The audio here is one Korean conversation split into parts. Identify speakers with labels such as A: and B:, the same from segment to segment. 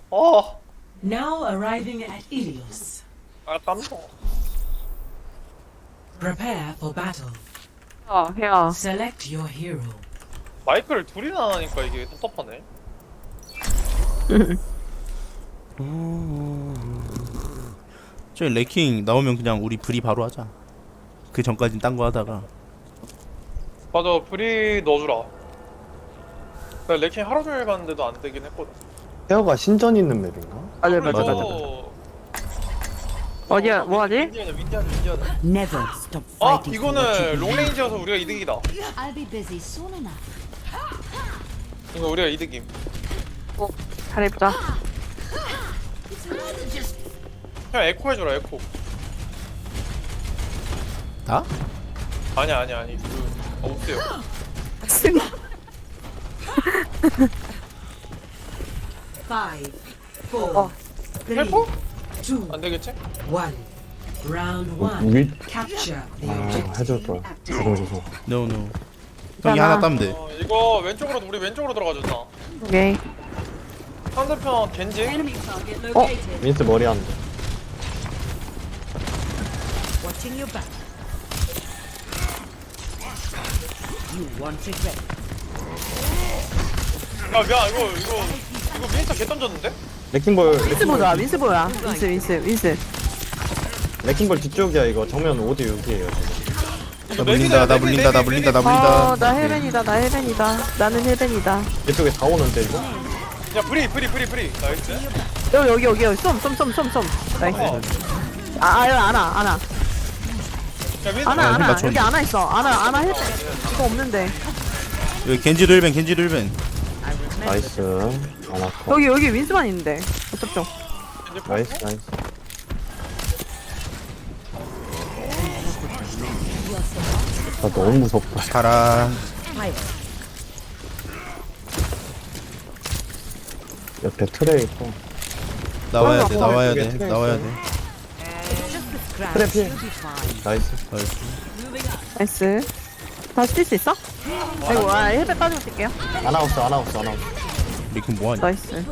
A: 어.
B: Now arriving at Ilios.
A: 아 깜짝.
B: Prepare for battle.
C: 야.
B: Select your hero.
A: 마이크를 둘이나 하니까 이게 답답하네.
D: 저기 레킹 나오면 그냥 우리 브리 바로 하자. 그 전까진 딴 거 하다가.
A: 맞아, 브리 넣어주라. 나 레킹 하루 종일 갔는데도 안 되긴 했거든.
E: 헤어가 신전 있는 맵인가?
C: 맞아
A: 그래서
C: 맞아. 어디야 뭐하지?
A: 윈디하자.
F: Never stop
A: 아
F: fighting for what you
A: 이거는
F: believe.
A: 롱레인지여서 우리가 이득이다.
G: I'll be busy soon enough.
A: 이거 우리가 이득임.
C: 잘해보자.
A: 그냥 에코 해줘라 에코.
D: 나?
A: 아니 없어요.
B: Five, four, three,
A: 헬퍼?
B: two,
A: 안 되겠지?
B: one. Round one.
E: 위?
B: Capture the
E: 아
B: objective.
E: 해줄 걸. 죄송.
D: No. 형이 하나 따면 돼.
A: 이거 왼쪽으로 우리 왼쪽으로 들어가자. 나.
C: 오케이.
A: 상대편 겐지.
E: 민스 머리 안 돼.
F: Watching your back. You want regret.
A: 야 미안 이거 미니터 개 던졌는데?
E: 레킹볼
C: 윈스 보자. 윈스 보야. 윈스.
E: 레킹볼 뒤쪽이야 이거. 정면 5대 6이에요.
D: 나 물린다.
C: 나 헬벤이다. 나는 헬벤이다.
E: 이쪽에 다 오는데 이거?
A: 야 브리 나이스.
C: 여기. 쏨. 나이스. 아나.
A: 야 미니터
C: 아나.
D: 맞췄네.
C: 여기 아나 있어. 아나 헬벤. 이거 없는데.
D: 여기 겐지도 힐벤.
E: 나이스. 안 아파.
C: 여기 윈스만 있는데. 어쩌죠?
E: 나이스. 나 너무 무섭다.
D: 가라.
E: 옆에 트레 있고.
D: 나와야
E: 이쪽에
D: 돼.
E: 트레
D: 나와야
E: 있어요.
D: 돼.
E: 트레 피해. 나이스.
C: 나이스. 다시 뛸 수 있어? 아이고, 헬멧 빠지고 뛸게요.
E: 아나운서.
D: 레킹 뭐하냐?
C: 나이스.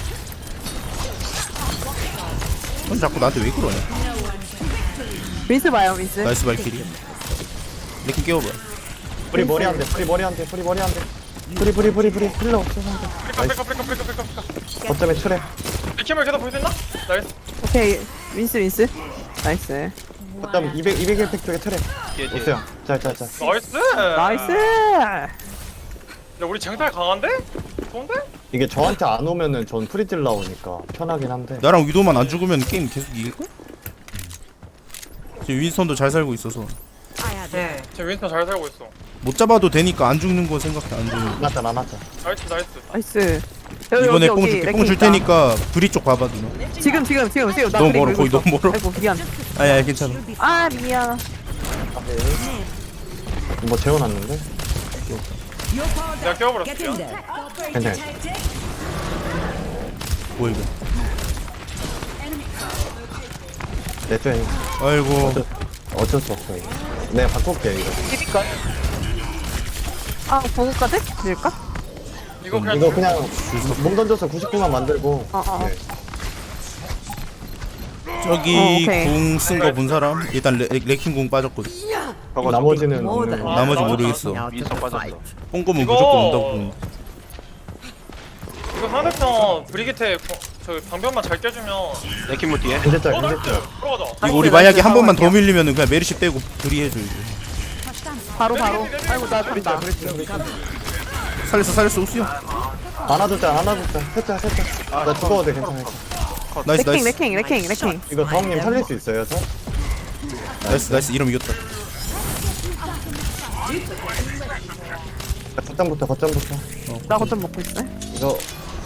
D: 형 자꾸 나한테 왜 그러냐?
C: 윈스 봐요, 윈스.
D: 나이스 발키리. 레킹 깨워봐.
E: 프리 머리 안 돼. 프리 머리 안 돼. 프리 필러 없어.
A: 브레이커.
E: 거점에 트레.
A: 리캠을 계속 볼 수 있나? 나이스.
C: 오케이, 윈스. 나이스.
E: 거점 201팩 쪽에 트레. 없어요. 자.
A: 나이스.
C: 나이스!
A: 야 우리 쟁탈 강한데? 좋은데?
E: 이게 저한테 안 오면은 전 프리딜 나오니까 편하긴 한데.
D: 나랑 위도만 안 죽으면 게임 계속 이길걸? 지금 윈스턴도 잘 살고 있어서
A: 지금 윈스턴 잘 살고 있어.
D: 못 잡아도 되니까 안 죽는 거 생각해. 안 죽는 거.
E: 안 왔다.
A: 나이스.
C: 나이스.
D: 이번에 뽕 줄게. 뽕 줄
C: 있다.
D: 테니까 브리 쪽 봐봐 누나.
C: 지금. 나
D: 너무
C: 그리고
D: 멀어.
C: 이거
D: 거의
C: 있어.
D: 너무 멀어.
C: 아이고, 미안.
D: 아야 괜찮아.
C: 아, 미안.
E: 뭐 재워놨는데?
A: 내가 깨워버렸어.
E: 괜찮아.
D: 뭐 이거?
E: 내쪽에
D: 아이고.
E: 어쩔 수 없어 이거. 내가 바꿀게 이거.
C: 비빌걸? 아, 보고까지? 밀까?
A: 이거 그냥
E: 이거 그냥 몸 던져서 99만 만들고.
C: 어.
E: 네.
D: 저기
C: 오케이.
D: 궁 쓴 거 본 사람? 일단 레킹 궁 빠졌거든.
E: 나머지는
D: 나머지 모르겠어.
F: 윈서 빠졌어.
D: 뽕검은
A: 이거-
D: 무조건 온다고 보는데.
A: 이거 상대편 브리기테 저 방벽만 잘 깨주면.
H: 레킹모 뒤에
E: 괜찮다.
A: 나이스. 들어가자.
D: 이거 우리 만약에 한 번만 더 밀리면은 그냥 메르시 빼고 브리 해줘 이제.
C: 바로. 아이고, 나 간다.
D: 살렸어 우수야.
E: 안아줬자. 셋자. 나 죽어도 돼 괜찮아.
D: 나이스.
C: 레킹.
E: 이거 다음님 살릴 수 있어요 저?
D: 나이스. 이러면 이겼다.
E: 거점부터.
C: 나 거점 먹고 있어.
E: 이거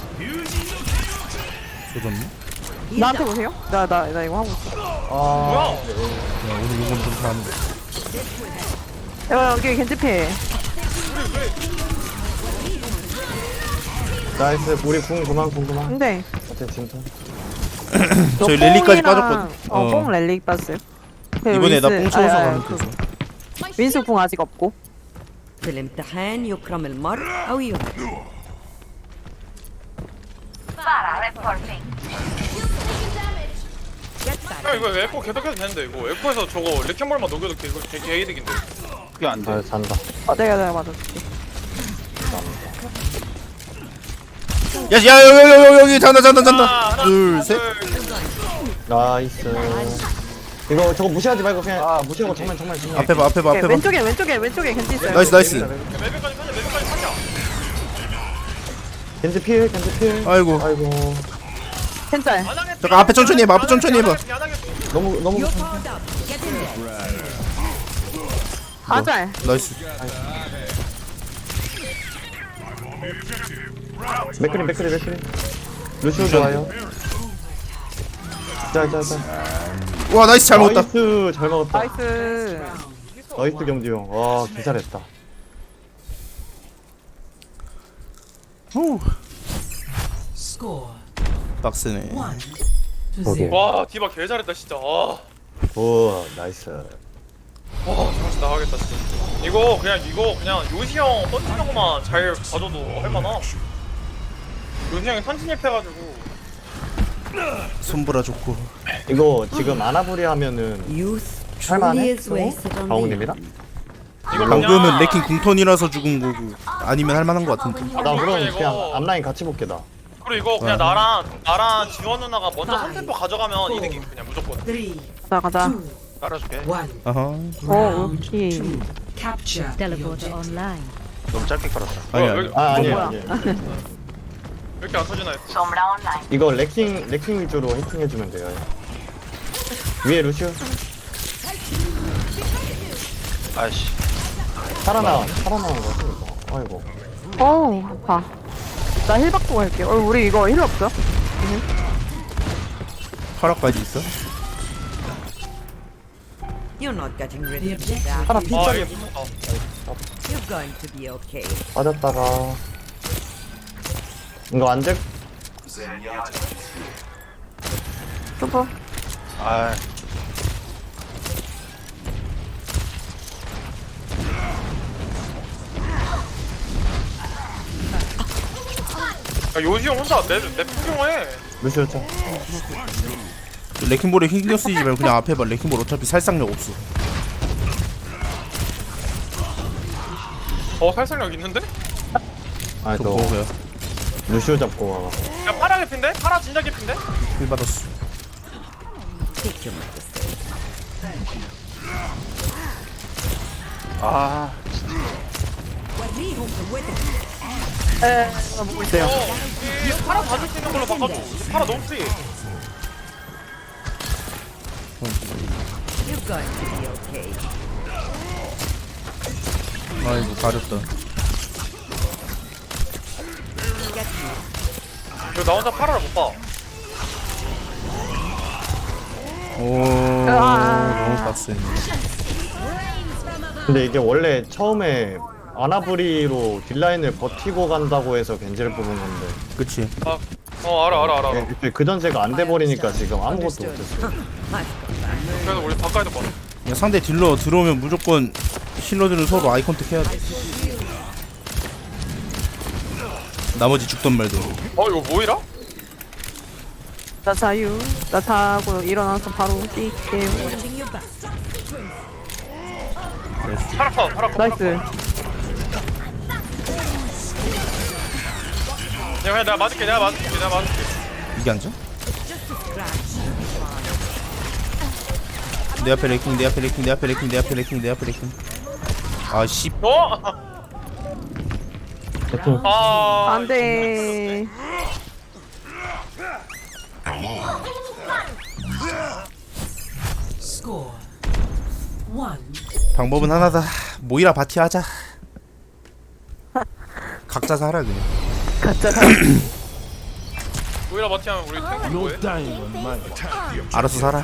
D: 조졌네.
C: 나한테 보세요. 나 이거 하고 있어.
A: 뭐야?
D: 야, 오늘 이건 좀 잘하는데.
C: 여기 겐지피.
E: 나이스. 우리 궁 그만.
C: 근데
E: 어째 진짜.
D: 저희 랠리까지 빠졌거든.
C: 뽕 랠리 빠졌어요.
D: 이번에 나 뽕 채워서 가면 돼서.
C: 윈스 뽕 아직 없고.
F: في الامتحان يكرم المرء أو يهان.
A: 야 이거 에코 계속해도 되는데 이거 에코에서 저거 레켄볼만 녹여도 이거 되게 이득인데.
H: 그게 안 돼.
E: 아 잔다.
C: 내가 맞아줄게.
D: 야 여기 잔다
A: 하나,
D: 둘셋
E: 나이스. 이거 저거 무시하지 말고 그냥 무시하고 정면.
D: 앞에 봐
C: 오케이, 왼쪽에 겐지 있어요.
D: 나이스
A: 매백까지 타자.
E: 겐지 필.
D: 아이고
E: 아이고.
C: 겐짤.
D: 잠깐 앞에 천천히 해봐
E: 너무
C: 아짤.
D: 나이스
E: 맥크리. 루시오 좋아요. 자.
D: 와 나이스 잘 먹었다
E: 나이스 잘 먹었다.
C: 나이스.
E: 나이스 경지 형. 와 개잘했다.
D: 후
B: Score
D: 빡세네
B: 1 to 0.
A: 와 디바 개 잘했다 진짜. 와
E: 오 나이스.
A: 정신 나가겠다 진짜. 이거 그냥 요시 형 던지는 것만 잘 가져도 할만하. 요시 형이 선진입해가지고.
D: 손보라 좋고
E: 이거 지금 아나브리 하면은
F: Youth
E: 할만해?
F: truly is wasted on me.
E: 가웅님이랑?
A: 이거
D: 방금은 레킹 궁턴이라서 죽은 거고 아니면 할만한 거 같은데
E: 나 그럼
A: 이거-
E: 그냥 앞라인 같이 볼게 나.
A: 그리고 이거 그냥 나랑 지원 누나가 먼저 3템포 가져가면 이득이 그냥 무조건.
B: 3,
C: 가자.
B: 2,
H: 깔아줄게.
B: 1.
D: 아하
B: Round
C: 오케이.
B: 2. Capture the
G: Teleporter
B: objective.
G: online.
H: 너무 짧게 깔았다.
D: 아니야
A: 왜
E: 아니에요.
C: 뭐야?
A: 이렇게 안 터지나 했어.
E: 이거 레킹 위주로 해킹해주면 돼요. 위에 루시오.
H: 아이씨.
E: 살아나온 거 같으니까. 아이고.
C: 아파. 나 힐 받고 갈게. 우리 이거 힐 없어?
D: 파라까지 있어?
F: You're not getting rid
B: The
F: of me.
B: objective
E: 하나
B: is
E: 핀짝이
A: 이게 무섭다.
F: You're going to be okay.
E: 빠졌다가. 이거 안 될?
C: 슈퍼.
H: 아,
A: 야, 요시 형 혼자 내 폭용해.
E: 루시오 쳐.
D: 레킹볼에 신경 쓰지 말고 그냥 앞에 봐 레킹볼 어차피 살상력 없어
A: 살상력 있는데?
E: 아,
D: 저
E: 너
D: 뭐야
E: 루시오 잡고 가.
A: 야 파라 개핀데? 파라 진짜 개핀데?
D: 힐 받았어
F: Take your medicine.
H: 아,
C: 보고 있어요.
A: 이 파라 봐줄 수 있는 걸로 바꿔줘. 이 파라 너무 프리.
F: You're going to be okay.
D: 아이고 가렸다
A: 나 혼자 파라를 못 봐.
D: 오 너무 빡세
E: 근데 이게 원래 처음에 아나브리로 딜라인을 버티고 간다고 해서 겐지를 뽑은 건데.
D: 그치
A: 알아.
E: 그 전제가 안 돼버리니까 지금 아무것도 못했어.
A: 그래서 우리 바꿔야 봐.
D: 그냥 상대 딜러 들어오면 무조건 힐러들은 서로 아이 컨택 해야 돼 나머지 죽던 말도
A: 이거 뭐이라?
C: 나 자유. 나 자고 일어나서 바로 뛸게요.
F: Watching your back.
A: 파라 컷.
C: 나이스.
A: 야 그냥 내가 맞을게.
D: 이게 앉아? 내 앞에 레킹 아씨
C: 안 돼.
B: score 1.
D: 방법은 하나다 모이라 바티 하자 각자 살아 그냥
C: 가짜.
A: 모이라 마티하면 우리 탱크 뭐해?
D: 알아서 살아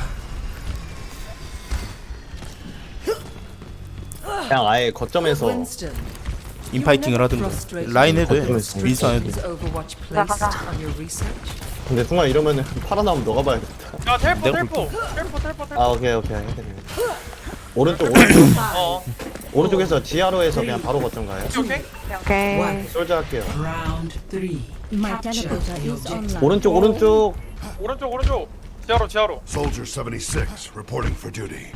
E: 그냥 아예 거점에서
B: Winston,
D: 인파이팅을 하든가 라인 해도 해 민스 안 해도
B: is
D: 돼
B: Overwatch placed on your research?
E: 근데 순간 이러면은 팔아 나오면 너가 봐야겠다.
A: 야 텔포.
E: 아 오케이. 오른쪽.
A: 어.
E: 오른쪽에서 지하로에서 그냥 바로 거점 가요.
A: 오케이?
C: 오케이.
E: 솔저 할게요.
B: Round 3.
G: My
B: Capture
G: teleporter
B: the
G: is
B: objective.
G: online.
E: 오른쪽.
A: 오른쪽. 지하로.
I: Soldier 76, reporting for duty.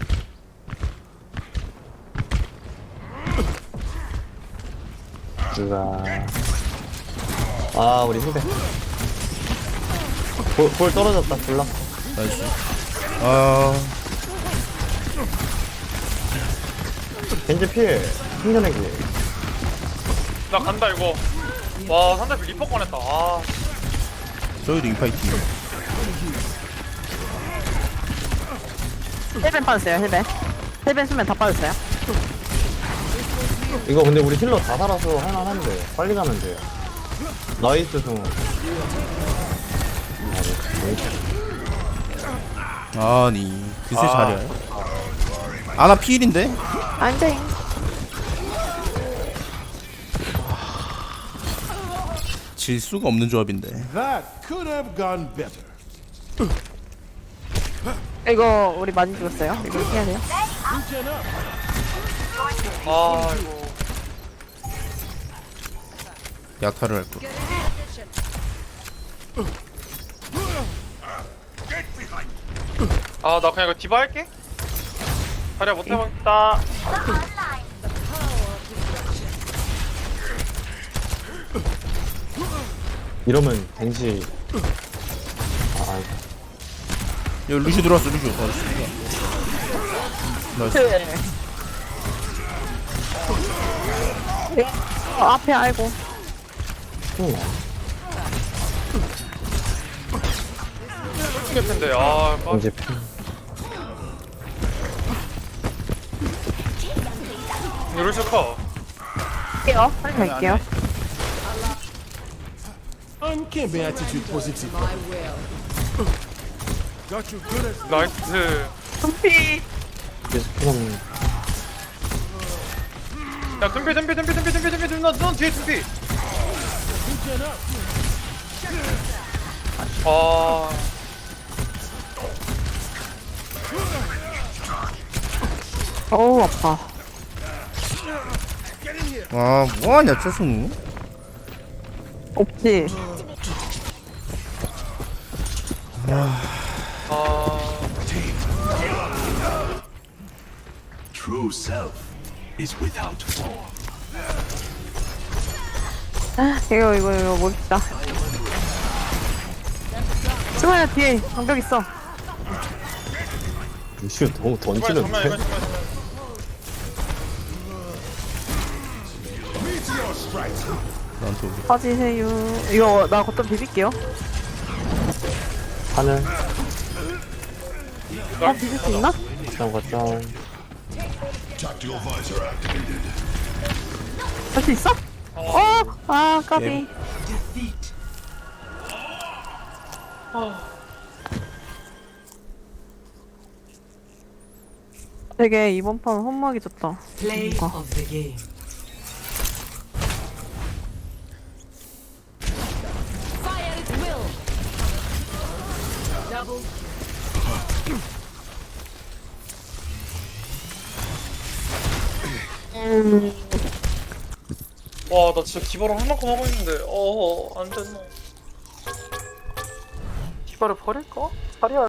E: 누가. 아, 우리 후배. 볼 떨어졌다, 불락.
D: 나이스. 아,
E: 겐지 필. 힘겨내기.
A: 나 간다 이거. 와 상대 리퍼 꺼냈다. 아
D: 저희도 인파이팅.
C: 힐벤 빠졌어요, 힐벤. 힐벤 수면 다 빠졌어요.
E: 이거 근데 우리 힐러 다 살아서 할만한데. 빨리 가면 돼요. 나이스 승우.
D: 아니, 그새 잘해요. 아나 피일인데?
C: 안 돼.
D: 질 수가 없는 조합인데.
I: That could have gone better.
C: 이거 우리 많이 죽었어요. 이거 해야 돼요.
A: 아 이거.
D: 야타를 할 거.
A: 아 나 그냥 이거 디바 할게. 자리야 못 해보겠다.
E: 이러면 겐지. 아, 아이고.
D: 여기 루시 들어왔어, 루시. 나이스.
C: 앞에 아이고.
A: 쏠 텐데. 아
E: 겐지 필.
A: 루시 커.
C: 갈게요. 빨리 갈게요.
I: Uncanny attitude positive. Got you good as
A: 나이스.
C: 금피.
E: 계속 필요없는.
A: 야 둠피 넌 뒤에 둠피. 아
C: 어우, 아파.
D: 와, 뭐하냐, 최승우?
C: 없지.
I: true self is without form.
C: 아, 이거 멋있다. 승환아, 뒤에 방벽 있어.
E: 루시오 너무
A: 정말
E: 던지는데?
D: 나한테 오게.
C: 빠지세요. 이거 나 걷다 비빌게요.
E: 하늘.
C: 비빌 수 있나?
E: 일단 거점.
I: Tactical visor activated.
C: 할 수 있어? 아, 까비.
B: Defeat.
C: 되게 이번 판 험하게 졌다.
B: Play
C: 뭔가.
B: of the game.
A: 와 나 진짜 디바를 할 만큼 하고 있는데 안 됐나. 디바를 버릴까? 자리야